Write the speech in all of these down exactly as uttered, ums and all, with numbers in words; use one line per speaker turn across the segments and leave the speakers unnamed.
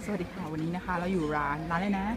สวัสดีค่ะวันนี้นะคะเราอยู่ร้านร้านอะไรนะ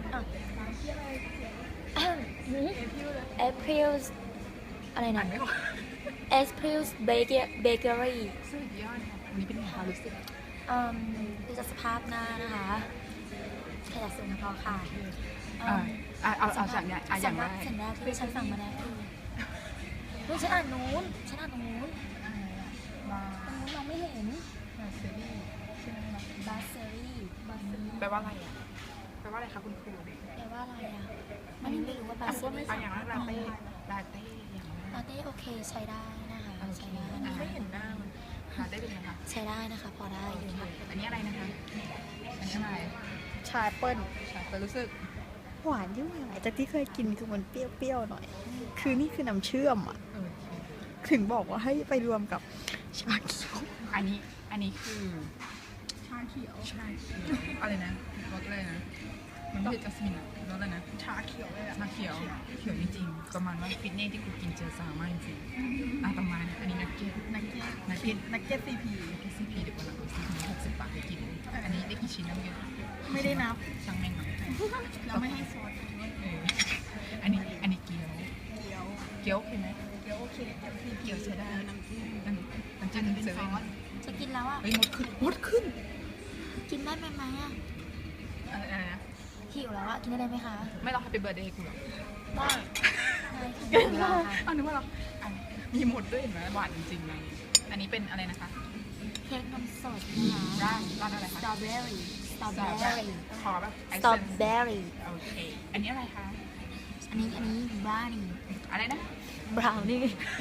April อะไรนะ
ไม่ออก
April Bakery
สุดยอดค่ะวันนี้เป็นไงคะรู้สึก
อืมดูจากสภาพหน้านะคะขยะสูงพอค่ะอื
อ่าม อ่าเอาเอาจากเนี้ยอ่ะอย่างแรก
สิ่งแรกที่ฉันสั่งมาได้คือเฮ้ยฉันอ่านนู้นฉันอ่านตรงนู้น
มา
ตรงนู้นมองไม่เห็น
มาเซรี่ใช่ไหมคะ
บาเซอรี่บาเซอรี่
แปลว่าอะไรอ่ะแปลว่าอะไรคะคุณครูเนี่ย
แปลว่าอะไรอ่ะอันนี้ไม่รู้ว่าบาเซอรี่
อ่ะอย่างแรกลาเต้ลาเต้อย่างแรก
ลาเต้โอเคใช้ได้นะคะ
โอเค
ใช้ได้
อ่ะ
นะคะ
ไม่เห็นหน้ามันลาเต้เป็นไงคะ
ใช้ได้นะคะพอได้อยู่ค่ะ
อันนี้อะไรนะคะอันนี้อะไรชาเปิ้ลชาเปิ้ลรู้สึก
หวานยิ่งหวานจากที่เคยกินคือมันเปรี้ยวๆหน่อย คือนี่คือน้ำเชื่อมอ่ะ
เออ
ถึงบอกว่าให้ไปรวมกับชาเขียว
อันนี้อันนี้คือชาเขียวชาเขียวอะไรนะรสอะไรนะมันไม่ใช่จัสมินอะรสอะไรนะชาเขียวเลยอะชาเขียวเขียวจริงๆประมาณว่าฟิตเนสที่กูกินเจอซามากจริงๆอ่ะประมาณนี้อันนี้นักเก็ตนักเก็ตนักเก็ตนักเก็ตซีพีนักเก็ตซีพีเดี๋ยววันหลังเราซื้อหกสิบบาทไปกินอันนี้ได้กี่ชิ้นแล้วเนี่ย
ไม่ได้นับ
ช่างแม่งหน่อย
เราไม่ให้ซอสด้วย
เอออันนี้อันนี้เกี๊ยว
เกี๊ยว
เกี๊ยวโอเคไหม
เกี๊ยวโอเคเกี๊ยวซีพี
เกี๊ยวใช้ได้
น้ำจิ้ม
น้ำน้ำจิ้มเซเว่น
จะกินแล้วอ่ะ
เฮ้ยมดขึ้นมดขึ้น
กินได้ไหมไหมอ่ะ
อะไรอะไรนะ
หิวแล้วอ่ะกินได้ไหมคะ
ไม่รอ Happy Birthday กูหรอ
ได้
เกิ
หิ
น
ว
แล้
แล้ว
ว
ค่ะ
อันนี้ว่าเราอ่ะมีหมดด้วยเห็นไหมหวานจริงๆเลยอันนี้เป็นอะไรนะคะ
เค้กนมสดนะคะ
ร้านร้านอะไร
ส
คะ
ตรอเบอรี่สตรอเบอรี่
ขอแบบ
สตรอเบอรี่
โอเค อันนี้อะไรคะ
อันนี้อันนี้บราวนี่
อะไรนะ
บราวนี่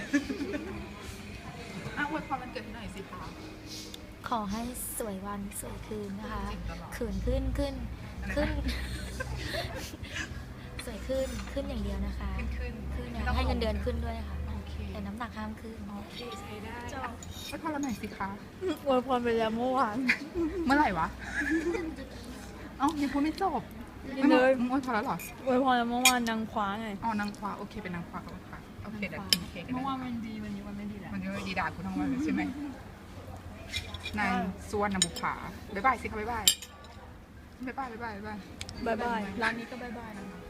อ่ะอวยพรวันเกิดให้หน่อยสิคะ
ขอให้สวยวันสวยคืนนะคะ
จริงตลอด
ขืนขึ้นขึ้น
อะไรนะ
ขึ้น สวยขึ้นขึ้นอย่างเดียวนะคะ
ขึ้นขึ้น
ขึ้น
ไม่
นะ
ต้อง
ให้เงินเดือนขึ้นด้วยค่ะ
โอเค
แต่น้ำหนักห้ามขึ้น
โอเคใช้ได้อ่ะอวยพรเราหน่อยสิคะ
อวยพรไปแล้วเมื่อวาน
เมื่อไหร่วะเอ้ายังพูดไม่จบ
ยังเลย
มึงอวยพรแล้วเหรอ
อวยพรแล้วเมื่อวานนางคว้าไง
อ๋อนางฟ้าโอเคเป็นนางฟ้าครับค่ะโอเคเดี๋ยวกินเค้กกัน
เมื่อวาน
นะ
มันดีวันนี้วันไม่ดีแหละ
มันจะดีด่ากูทั้งวันเลยใช่ไหมนางสวนนางบุภาบ๊ายบายสิคะบ๊ายบายบ๊ายบายบ๊ายบายบ๊ายบาย
บายบาย ร้านนี้ก็บายบายนะคะ